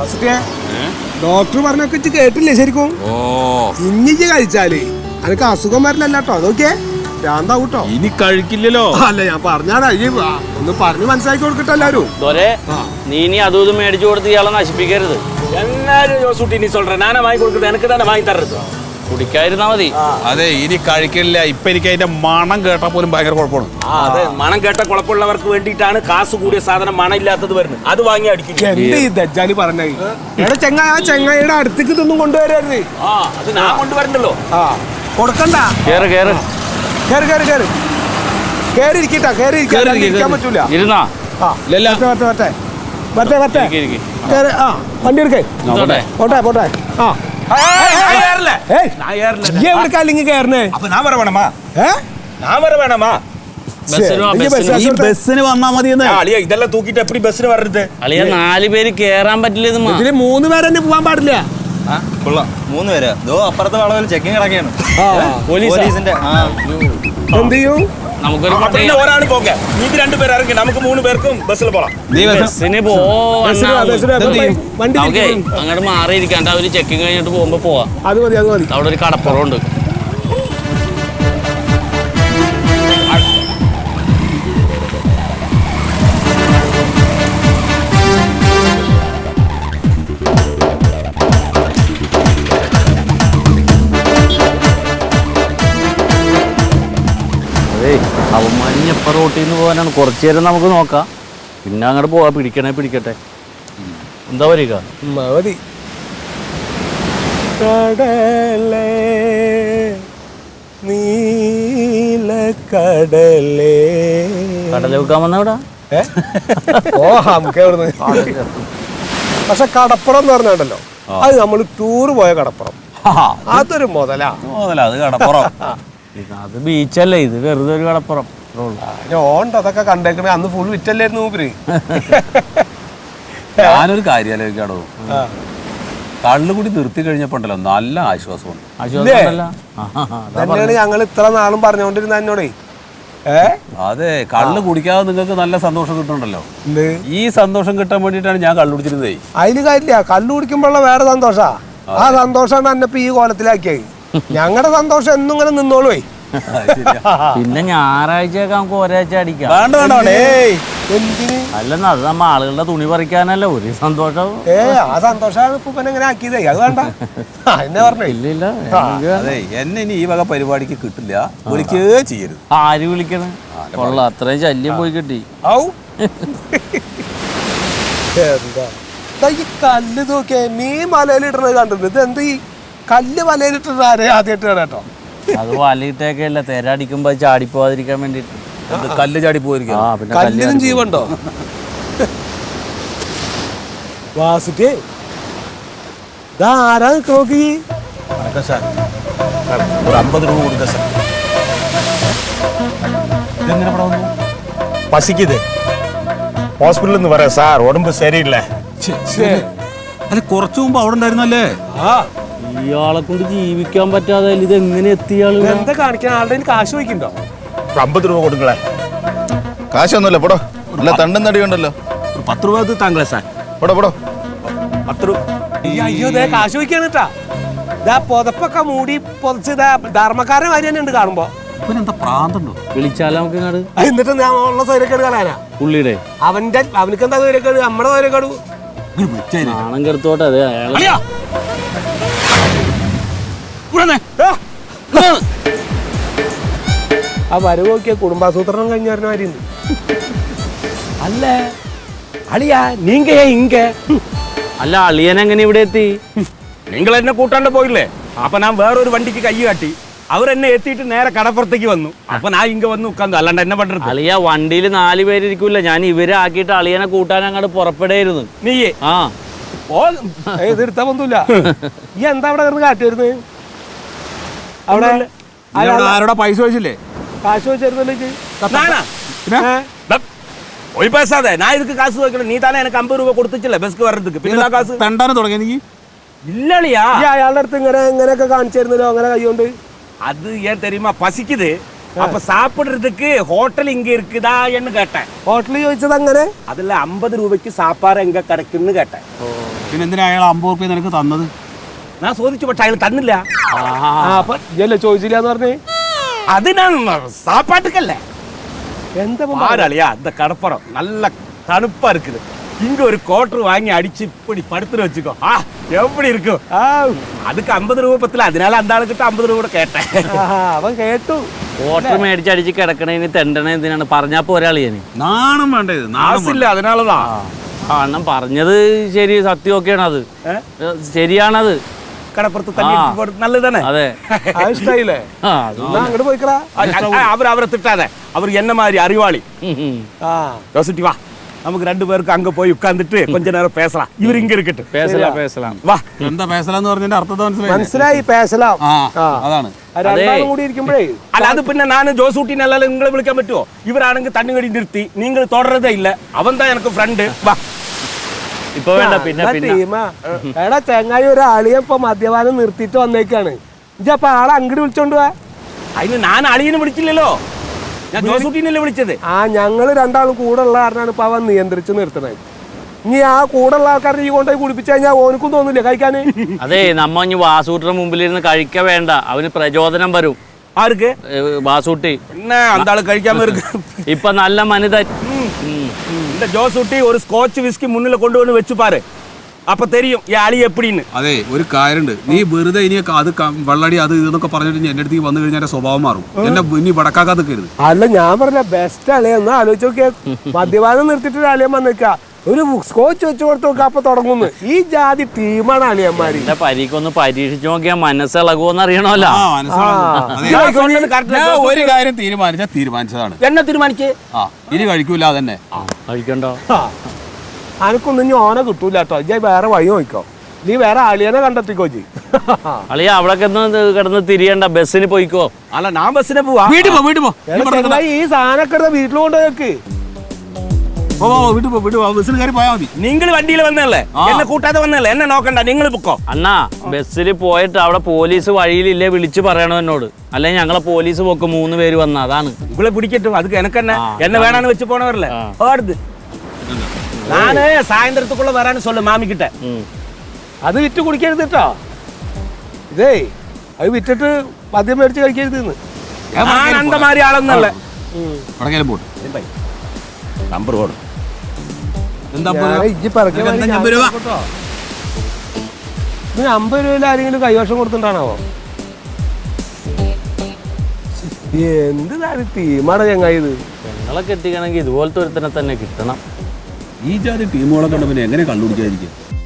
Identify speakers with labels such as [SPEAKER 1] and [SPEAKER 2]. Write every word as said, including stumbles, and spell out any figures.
[SPEAKER 1] Doctor പറഞ്ഞൊക്കെ കേട്ടില്ലേ ശരിക്കും? ഇനി കഴിച്ചാല് അനക്ക് അസുഖം വരില്ലല്ലോ കേട്ടോ. അതൊക്കെ ഭ്രാന്താവൂട്ടോ.
[SPEAKER 2] ഇനി കഴിക്കില്ലല്ലോ.
[SPEAKER 1] അല്ല ഞാൻ പറഞ്ഞാടാ, ഈ ഒന്ന് പറഞ്ഞു മനസ്സിലാക്കി കൊടുക്കട്ടെ എല്ലാരും.
[SPEAKER 3] നീ ഇനി അതും ഇതും മേടിച്ചു കൊടുത്ത് ഇയാളെ നശിപ്പിക്കരുത്.
[SPEAKER 2] എന്നാലും ജോസൂട്ടി നീ சொல்ற നാനാ വാങ്ങി കൊടുക്കുന്നത് എനിക്ക് തന്നെ വാങ്ങി തരരുത്.
[SPEAKER 3] കുടിക്കാതിരുന്നാ മതി.
[SPEAKER 2] അതെ ഇനി കഴിക്കില്ല. ഇപ്പൊ എനിക്ക് അതിന്റെ മണം കേട്ടാ പോലും ഭയങ്കര കുഴപ്പമാണ്.
[SPEAKER 4] അതെ മണം കേട്ട കുഴപ്പമുള്ളവർക്ക് വേണ്ടിയിട്ടാണ് കാസ് കൂടിയ സാധനം മണം ഇല്ലാത്തത് വരുന്നത്. അത് വാങ്ങി അടിക്കും.
[SPEAKER 1] എന്റെ ഈ ദജ്ജാലി പറഞ്ഞത് ചെങ്ങായി ആ ചെങ്ങായിയുടെ അടുത്തേക്ക് ഇതൊന്നും കൊണ്ടുവരരുത്.
[SPEAKER 4] ആ അത് ഞാൻ കൊണ്ടുവരണ്ടല്ലോ.
[SPEAKER 1] ആ കൊടുക്കണ്ട.
[SPEAKER 3] കേറ് കേറ്
[SPEAKER 1] കേറി കേറി കേറി കേറി ഇരിക്കട്ടാ. കേറി ഇരിക്കാൻ പറ്റൂല.
[SPEAKER 3] ഇരുന്നാ
[SPEAKER 1] മറ്റേ മറ്റേ ആ വണ്ടി എടുക്കേ. പോട്ടെ പോട്ടെ. ആ എവിടേക്കല്ലെങ്കിൽ കേറണേ.
[SPEAKER 4] അപ്പൊ ഞാൻ വര വേണമാ?
[SPEAKER 1] ഏ
[SPEAKER 4] ഞാൻ വര വേണമാ?
[SPEAKER 2] ബസ്സിന് വന്നാ മതി.
[SPEAKER 4] അളിയ ഇതെല്ലാം തൂക്കിട്ട് എപ്പടി ബസ്സിന് വരരുത്?
[SPEAKER 3] അളിയ നാല് പേര് കേറാൻ പറ്റില്ല.
[SPEAKER 1] ഇതില് മൂന്ന് പേര് തന്നെ പോവാൻ പാടില്ല.
[SPEAKER 5] മൂന്ന് പേര് അപ്പുറത്തെ വളവിൽ ചെക്കിങ് കിടക്കുകയാണ്.
[SPEAKER 3] പോലീസിന്റെ
[SPEAKER 1] എന്ത് ചെയ്യും?
[SPEAKER 3] നമുക്കൊരു
[SPEAKER 4] ഒരാൾ പോകെ നീ രണ്ടുപേർ ഇറങ്ങി നമുക്ക് മൂന്ന് പേർക്കും ബസ്സിൽ പോകാം.
[SPEAKER 3] ബസ്സിന്
[SPEAKER 1] വണ്ടി
[SPEAKER 3] അങ്ങോട്ട് മാറിയിരിക്കാണ്ട് അവര് ചെക്കിങ് കഴിഞ്ഞിട്ട് പോകുമ്പോ പോവാം.
[SPEAKER 1] അത് മതി അത് മതി.
[SPEAKER 3] അവിടെ ഒരു കടപ്പുറമുണ്ട്. അവന്മാരിഞ്ഞ എപ്പ റോട്ടിൽ നിന്ന് പോകാനാണ്. കുറച്ചു നേരം നമുക്ക് നോക്കാം, പിന്നെ അങ്ങോട്ട് പോവാ. പിടിക്കണേ പിടിക്കട്ടെ. എന്താ വരിക?
[SPEAKER 1] മതി. കടലേ നീലക്കടലേ.
[SPEAKER 3] കടല വെക്കാൻ വന്ന ഇവിടെ.
[SPEAKER 1] ഓ നമുക്ക് പക്ഷെ കടപ്പുറം എന്ന് പറഞ്ഞുണ്ടല്ലോ, അത് നമ്മൾ ടൂറ് പോയ കടപ്പുറം. അതൊരു മുതലാ.
[SPEAKER 2] മുതലാ അത് കടപ്പുറം.
[SPEAKER 3] അത് ബീച്ചല്ലേ, ഇത് വെറുതെ ഒരു കടപ്പുറം.
[SPEAKER 1] ഓണ്ട് അതൊക്കെ കണ്ടേക്കണേ. അന്ന് ഫുൾ വിറ്റല്ലായിരുന്നു മൂപ്പര്.
[SPEAKER 2] ഞാനൊരു കാര്യം ആലോചിക്കാടോ. കള്ളുകൂടി നിർത്തി കഴിഞ്ഞപ്പോണ്ടല്ലോ നല്ല ആശ്വാസമാണ്.
[SPEAKER 1] തന്നെയാണ് ഞങ്ങൾ ഇത്ര നാളും പറഞ്ഞുകൊണ്ടിരുന്ന എന്നോടേ.
[SPEAKER 2] അതെ കള്ള് കുടിക്കാതെ നിങ്ങൾക്ക് നല്ല സന്തോഷം കിട്ടുന്നുണ്ടല്ലോ. ഈ സന്തോഷം കിട്ടാൻ വേണ്ടിയിട്ടാണ് ഞാൻ കള്ളു കുടിച്ചിരുന്നേ.
[SPEAKER 1] അതിന് കാര്യമില്ല, കള്ളു കുടിക്കുമ്പോഴുള്ള വേറെ സന്തോഷാ. ആ സന്തോഷമാണ് എന്നെ ഇപ്പൊ ഈ കോലത്തിലാക്കിയായി. ഞങ്ങളുടെ സന്തോഷം എന്നും ഇങ്ങനെ നിന്നോളൂ.
[SPEAKER 3] പിന്നെ ഞായറാഴ്ചയൊക്കെ നമുക്ക് ഒരാഴ്ച അടിക്കാം. അല്ലെന്നാ അത് നമ്മ ആളുകളുടെ തുണി പറിക്കാനല്ല ഒരു സന്തോഷം.
[SPEAKER 1] ഏ ആ സന്തോഷമാണ് ഇപ്പൊ എങ്ങനെ ആക്കിയതേ. അത് വേണ്ട എന്നെ പറഞ്ഞു.
[SPEAKER 3] ഇല്ലില്ല
[SPEAKER 2] അതെ എന്നെ ഇനി ഈ വക പരിപാടിക്ക് കിട്ടില്ല. വിളിക്കേ ചെയ്യരുത്.
[SPEAKER 3] ആര് വിളിക്കണം? കൊള്ള അത്രയും ശല്യം പോയി കിട്ടി.
[SPEAKER 1] എന്താ ഈ കല്ല് നോക്കിയേ. മീൻ മലയിലിടണത് കണ്ടിട്ടുണ്ട്. ഇത് എന്ത് ഈ കല്ല് വലയിലിട്ടത് ആരെ ആദ്യമായിട്ട് കേട്ടോ.
[SPEAKER 3] അത് വലയിട്ടൊക്കെ അല്ല, തെരടിക്കുമ്പോ ചാടിപ്പോവാതിരിക്കാൻ വേണ്ടിട്ട്.
[SPEAKER 2] കല്ല് ചാടി പോയിരിക്കും.
[SPEAKER 1] കല്ലിനും ജീവണ്ടോ? വാസുട്ടേ ഇതാരാ നോക്കി.
[SPEAKER 2] ഒരു അമ്പത് രൂപ കൊടുക്ക സാർ. ഇതെങ്ങനെ ഇവിടെ വന്നു?
[SPEAKER 4] പസിക്കുത് ഹോസ്പിറ്റലിൽ നിന്ന് പറയാം സാർ, ഉടമ്പ് ശരിയില്ല.
[SPEAKER 2] അല്ല കുറച്ചു മുമ്പ് അവിടെ ഉണ്ടായിരുന്നല്ലേ?
[SPEAKER 3] ഇയാളെ കൊണ്ട് ജീവിക്കാൻ പറ്റാതെ ഇത് എങ്ങനെ എത്തിയാള്?
[SPEAKER 1] എന്താ കാണിക്കാൻ? ആളുടെ കാശ് വയ്ക്കണ്ടോ?
[SPEAKER 4] അമ്പത് രൂപ കൊടുക്കളെ.
[SPEAKER 5] കാശൊന്നുമില്ല പൊടോ. അല്ല തണ്ടും തടിയുണ്ടല്ലോ.
[SPEAKER 4] ഒരു പത്ത് രൂപ താങ്കളെ സാർ.
[SPEAKER 5] പൊടോ പൊടോ
[SPEAKER 4] പത്ത് രൂപ.
[SPEAKER 1] അയ്യോ ദേ കാശ് വയ്ക്കാണ് കേട്ടാ. ഇതാ പുതപ്പൊക്കെ മൂടി പൊതച്ച് ഇതാ ധർമ്മക്കാരൻ മാതിരി തന്നെ ഉണ്ട് കാണുമ്പോ.
[SPEAKER 2] എന്താ പ്രാന്തണ്ടോ?
[SPEAKER 3] വിളിച്ചാലോ നമുക്ക് ഇങ്ങോട്ട്.
[SPEAKER 1] എന്നിട്ട് ഞാൻ ഉള്ള സൗകര്യക്കേട് കളയാനാ
[SPEAKER 3] പുള്ളിയുടെ.
[SPEAKER 1] അവന്റെ അവനക്ക് എന്താ സൗകര്യക്കേട്? നമ്മുടെ സൗകര്യക്കേട്
[SPEAKER 3] നാണം കെടുത്തോട്ടെ. അതെ അയാളെ
[SPEAKER 1] ആ വരവ് നോക്കിയ കുടുംബാസൂത്രണം കഴിഞ്ഞായിരുന്നു. അല്ലേ അളിയാ നീങ്ക ഇങ്ക.
[SPEAKER 3] അല്ല അളിയൻ എങ്ങനെ ഇവിടെ എത്തി?
[SPEAKER 4] നിങ്ങൾ എന്നെ കൂട്ടാണ്ട് പോയില്ലേ? അപ്പൊ ഞാൻ വേറൊരു വണ്ടിക്ക് കൈ കാട്ടി. അവരെന്നെ എത്തിയിട്ട് നേരെ കടപ്പുറത്തേക്ക് വന്നു. അപ്പൊ ഞാൻ ഇങ്ങ വന്ന് ഉക്കാന്നു. അല്ലാണ്ട് എന്നെ പണ്ടത്.
[SPEAKER 3] അളിയ വണ്ടിയിൽ നാല് പേരിരിക്കൂല. ഞാൻ ഇവരെ ആക്കിയിട്ട് അളിയനെ കൂട്ടാൻ അങ്ങോട്ട് പുറപ്പെടായിരുന്നു.
[SPEAKER 4] നീയേ
[SPEAKER 3] ആ
[SPEAKER 1] എതിർത്താ ഒന്നുമില്ല. ഈ എന്താ അവിടെ കിടന്ന് കാട്ടിരുന്നത്? അവിടെ
[SPEAKER 2] ആരോടാ പൈസ വെച്ചില്ലേ?
[SPEAKER 1] കാശ് വെച്ചിരുന്നല്ലേ?
[SPEAKER 4] ഒരു പൈസ അതെ ഞാൻ ഇതൊക്കെ കാശ് നോക്കണം. നീ തന്നെ എനിക്ക് അമ്പത് രൂപ കൊടുത്തിട്ടില്ല ബസ്ക്ക് വരത്തേക്ക്. പിന്നെ കാശ്
[SPEAKER 2] തണ്ടാനും തുടങ്ങി നീ.
[SPEAKER 4] ഇല്ലളിയാ
[SPEAKER 1] അയാളുടെ അടുത്ത് ഇങ്ങനെ ഇങ്ങനെയൊക്കെ കാണിച്ചിരുന്നല്ലോ അങ്ങനെ കൈകൊണ്ട്.
[SPEAKER 4] അത് ഏൻ തെരയുമാ പസിക്കുത്. அப்ப சாப்பிடுறதுக்கு ஹோட்டல் இங்க இருக்குதா என்று கேட்டேன்.
[SPEAKER 1] ഹോട്ടലിൽ ചോദിച്ചത് അങ്ങനെ
[SPEAKER 4] அதுல ஐம்பது ரூபாய்க்கு சாப்பாடு எங்க கிடைக்குன்னு കേട്ടேன்.
[SPEAKER 2] പിന്നെ എന്തിനാ അയാൾ അമ്പത് റുപ്യ നിനക്ക് തന്നത്?
[SPEAKER 4] நான் சோதிச்சு പക്ഷെ അയാൾ തന്നില്ല.
[SPEAKER 1] ആ അപ്പൊ ഇല്ലേ ചോദിച്ചില്ല എന്ന് പറഞ്ഞേ
[SPEAKER 4] அது நான் சாப்பாட்டுக்கல்ல.
[SPEAKER 1] എന്താ ഇപ്പൊ
[SPEAKER 4] பாராளியா இந்த கடப்பறம் நல்ல தணுப்பா இருக்குது. இங்க ஒரு கோட்டர் வாங்கி அடிச்சு இப்படி படுத்துட்டு வச்சுக்கோ. ஆ எப்படி இருக்கும்?
[SPEAKER 1] ആ,
[SPEAKER 4] அதுக்கு ஐம்பது ரூபாய் பத்தல, அதனால அந்த ஆளுக்கிட்ட ஐம்பது ரூபா கூட கேட்டேன்.
[SPEAKER 1] ആഹാ, അവൻ കേട്ടു.
[SPEAKER 3] ഓട്ടർ മേടിച്ചടിച്ച് കിടക്കണേന് തെണ്ടണ എന്തിനാണ് പറഞ്ഞാ പോരാളിയാണ്.
[SPEAKER 2] നാണം വേണ്ട ഇത്, നാണം
[SPEAKER 4] காசில்ல அதனாலதான்.
[SPEAKER 3] ആ അണ്ണൻ പറഞ്ഞത് ശരി, സത്യമൊക്കെയാണ് അത്. ശരിയാണത്.
[SPEAKER 4] கடப்புறத்து தண்ணி எடுத்து போடுறது நல்லதுதானே?
[SPEAKER 3] അതെ.
[SPEAKER 1] അത് ഇഷ്ടായില്ലേ?
[SPEAKER 3] ആ
[SPEAKER 1] എന്നാ അങ്ങോട്ട് പോയിക്കടാ.
[SPEAKER 4] அவர் அவரை திட்டாத, அவர் என்ன மாதிரி அறிவாளி.
[SPEAKER 3] ഉം, ഉം.
[SPEAKER 1] ആ
[SPEAKER 4] யோசிச்சு வா, நமக்கு ரெண்டு பேருக்கு அங்க போய் உட்கார்ந்துட்டு கொஞ்ச நேரம் பேசலாம். இவர் இங்க இருக்கட்டும்.
[SPEAKER 3] പേസലാം പേസലാം.
[SPEAKER 4] വാ.
[SPEAKER 2] എന്താ പേസലെന്ന് പറഞ്ഞതിന്റെ അർത്ഥം മനസ്സിലായി?
[SPEAKER 1] മനസ്സിലായി പേസലാം.
[SPEAKER 2] ആ
[SPEAKER 1] ആ.
[SPEAKER 2] അതാണ്.
[SPEAKER 1] ആ, രണ്ടാളും കൂടി ഇരിക്കുമ്പോഴേ
[SPEAKER 4] അല്ല അത് പിന്നെ ഞാൻ ജോസൂട്ടി നല്ല നിങ്ങളെ വിളിക്കാൻ പറ്റുമോ? ഇവരാണെങ്കിൽ തണ്ണുകടി നിർത്തി, നിങ്ങൾ തുടരതേ ഇല്ല. അവൻ താ എനിക്ക് ഫ്രണ്ട്. വാ.
[SPEAKER 3] ഇപ്പൊ വേണ്ട, പിന്നെ പിന്നെ
[SPEAKER 1] ടീമാ. എടാ ചെങ്ങായി ഒരു ആളിയെ ഇപ്പൊ മദ്യപാനം നിർത്തിയിട്ട് വന്നേക്കാണ്. ഇജ്ജപ്പൊ ആളെ അങ്ങോട്ട് വിളിച്ചോണ്ട് പോവാ.
[SPEAKER 4] അതിന് ഞാൻ അളിയനെ വിളിച്ചില്ലല്ലോ, ഞാൻ ജോസൂട്ടിനല്ലേ വിളിച്ചത്.
[SPEAKER 1] ആ ഞങ്ങള് രണ്ടാളും കൂടെ ഉള്ള കാരണമാണ് ഇപ്പൊ അവൻ നിയന്ത്രിച്ച് നിർത്തണത്. ഇനി ആ കൂടെ ഉള്ള ആൾക്കാരെ ഈ കൊണ്ടുപോയി കുടിപ്പിച്ചു കഴിഞ്ഞാൽ ഓനക്കും തോന്നില്ല കഴിക്കാന്.
[SPEAKER 3] അതെ, നമ്മ ഇനി വാസൂട്ടിന്റെ മുമ്പിലിരുന്ന് കഴിക്ക വേണ്ട, അവന് പ്രചോദനം വരും.
[SPEAKER 4] ആർക്ക്?
[SPEAKER 3] ഏ, വാസൂട്ടി
[SPEAKER 4] പിന്നെ അന്താള് കഴിക്കാമ ഇருக்கு.
[SPEAKER 3] ഇപ്പൊ നല്ല മനിതൻ.
[SPEAKER 4] இந்த ஜோசூட்டி ஒரு ஸ்காட்ச் விஸ்கி முன்னில கொண்டு வந்து வச்சு பாரு, அப்ப தெரியும் ഈ ആളി എപ്പിടിന്ന്.
[SPEAKER 2] അതെ, ഒരു കാര്യമുണ്ട്. നീ വെറുതെ ഇനി അത് ക- വെള്ളടി അത് ഇതൊക്കെ പറഞ്ഞിട്ട് ഇനി എന്റെ അടുത്തേക്ക് വന്നു കഴിഞ്ഞാൽ എന്റെ സ്വഭാവം മാറും. എന്നെ ഇനി വടക്കാക്കാതെ നിൽക്കരുത്.
[SPEAKER 1] അല്ല ഞാൻ പറഞ്ഞ ബെസ്റ്റ് അളിയ ഒന്ന് ആലോചിച്ച് നോക്കിയാ. മദ്യപാനം നിർത്തിയിട്ട് അളിയൻ വന്നിക്ക ഒരു സ്കോച്ച് വെച്ച് കൊടുത്ത് നോക്കുക, അപ്പൊ തുടങ്ങുന്നു. ഈ ജാതി ടീമാണ് അളിയന്മാര്.
[SPEAKER 3] എന്റെ പരീക്കൊന്ന് പരീക്ഷിച്ചു നോക്കിയാൽ മനസ്സിളകുമെന്ന് അറിയണമല്ലോ.
[SPEAKER 2] ആ, മനസ്സിലാവുന്നു. അതെ.
[SPEAKER 4] ഞാൻ சொன்னது correct.
[SPEAKER 2] ഞാൻ ഒരു കാര്യം തീരുമാനിച്ചാൽ തീരുമാനിച്ചതാണ്.
[SPEAKER 4] என்ன തീരുമാനിച്ച്?
[SPEAKER 2] ആ, ഇനി കഴിക്കൂല അതന്നെ.
[SPEAKER 3] കഴിക്കണ്ടോ?
[SPEAKER 1] അനക്കൊന്നും ഇനി ഓനെ കിട്ടൂല കേട്ടോ. ഇജ്ജ് വേറെ വഴി നോക്കോ, നീ വേറെ അളിയനെ കണ്ടെത്തിക്കോ ജി.
[SPEAKER 3] അളിയ അവിടൊക്കെ ഒന്ന് കിടന്ന് തിരിയണ്ട, ബസ്സിന് പോയിക്കോ.
[SPEAKER 4] അല്ല ഞാൻ ബസ്സിനെ പോവാ.
[SPEAKER 2] വീട്ടിൽ പോ, വീട്ടിൽ പോ.
[SPEAKER 1] ഈ സാധനമൊക്കെ എടുത്ത് വീട്ടിൽ കൊണ്ടുപോയി.
[SPEAKER 2] പോ, പോ, വീട്ടിൽ പോ, വീട്ടിൽ പോ. ബസ്സിന് കയറി പോയാൽ മതി.
[SPEAKER 4] നിങ്ങൾ വണ്ടിയിൽ വന്നല്ലേ, എന്നെ കൂട്ടാതെ വന്നല്ലേ, എന്നെ നോക്കണ്ട, നിങ്ങൾ പൊക്കോ.
[SPEAKER 3] അണ്ണാ ബസ്സിൽ പോയിട്ട് അവിടെ പോലീസ് വഴിയിലില്ലേ വിളിച്ചു പറയണോ എന്നോട്, അല്ലെങ്കിൽ ഞങ്ങളെ പോലീസ് പോക്ക് മൂന്ന് പേര് വന്ന അതാണ്.
[SPEAKER 4] உங்களை பிடிக்கட்டும், அதுக்கு எனக்கு என்ன,
[SPEAKER 3] ஆ,
[SPEAKER 4] என்ன வேணான்னு வச்சு போனவர்ல ஓடுது. நானு சாயந்தரத்துக்குள்ள வரான்னு சொல்லு மாமி கிட்ட.
[SPEAKER 1] അത് വിറ്റ് കുടിക്കരുത് കേട്ടോ. ഇതേ അത് വിറ്റിട്ട് മദ്യം മേടിച്ച് കഴിക്കരുത്.
[SPEAKER 4] நான் அந்த மாதிரி ആളൊന്നല്ല.
[SPEAKER 2] വടക്കേലും പോട്ട്.
[SPEAKER 4] നമ്പർ ഓടും.
[SPEAKER 2] എന്താ
[SPEAKER 1] ഇജ്ജ് പിറക്കി
[SPEAKER 2] അമ്പത് രൂപ
[SPEAKER 1] അമ്പത് രൂപയിൽ ആരെങ്കിലും കൈവശം കൊടുത്തിട്ടാണാവോ? എന്ത് കാര്യം ടീമാണ് ചങ്ങായി ഇത്.
[SPEAKER 3] ഞങ്ങളെ കെട്ടിക്കണമെങ്കിൽ ഇതുപോലത്തെ ഒരുത്തനെ തന്നെ കിട്ടണം.
[SPEAKER 2] ഈ ജാതി ടീമുകളെ കണ്ട പിന്നെ എങ്ങനെ കണ്ടുപിടിക്കാതിരിക്കും?